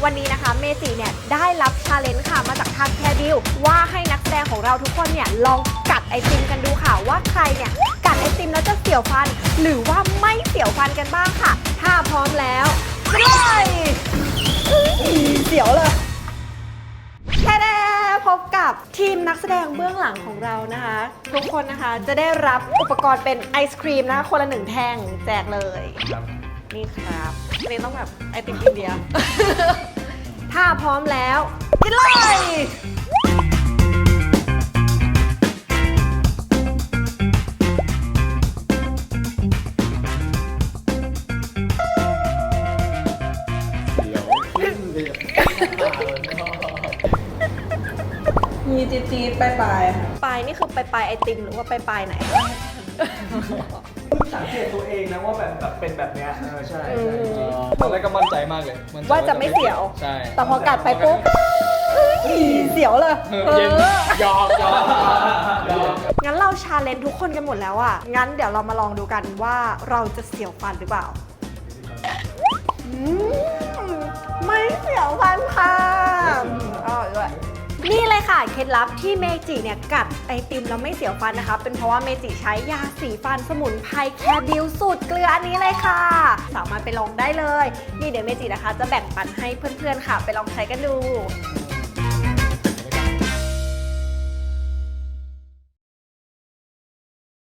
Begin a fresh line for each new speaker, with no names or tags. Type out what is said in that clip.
วันนี้นะคะเมจิเนี่ยได้รับชาเลนจ์ค่ะมาจากทางแคบิลว่าให้นักแสดงของเราทุกคนเนี่ยลองกัดไอติมกันดูค่ะว่าใครเนี่ยกัดไอติมแล้วจะเสียวฟันหรือว่าไม่เสียวฟันกันบ้างค่ะถ้าพร้อมแล้วไปเลยเสียวเลยแค่พบกับทีมนักแสดงเบื้องหลังของเรานะคะทุกคนนะคะจะได้รับอุปกรณ์เป็นไอศครีมนะคะคนละ1แท่งแจกเลยนี่ครับอันนี้ต้องแบบไอติมอินเดีย ถ้าพร้อมแล้วกินเลย
มีจี๊ดๆปลายๆค่ะ
ปลายนี่คือปลายไอติมหรือว่าปลายไหน
สังเกตตัวเองนะว่าแบบเป็นแบบเนี้ยใช่
ตอนแรกก็มั่นใจมากเลยมั่นใจ
ว่าจะไม่เสียว
ใช่
แต่พอกัดไปปุ๊บเสียวเลย
เย็นยอม
งั้นเราชาเลนจ์ทุกคนกันหมดแล้วอ่ะงั้นเดี๋ยวเรามาลองดูกันว่าเราจะเสียวฟันหรือเปล่าไม่เสียวฟันค่ะด้วยนี่เลยค่ะเคล็ดลับที่เมจิเนี่ยกัดไอติมแล้วไม่เสียวฟันนะคะเป็นเพราะว่าเมจิใช้ยาสีฟันสมุนไพรแคบิลสูตรเกลืออันนี้เลยค่ะสามารถไปลองได้เลยนี่เดี๋ยวเมจินะคะจะแบ่งปันให้เพื่อนๆค่ะไปลองใช้กันดู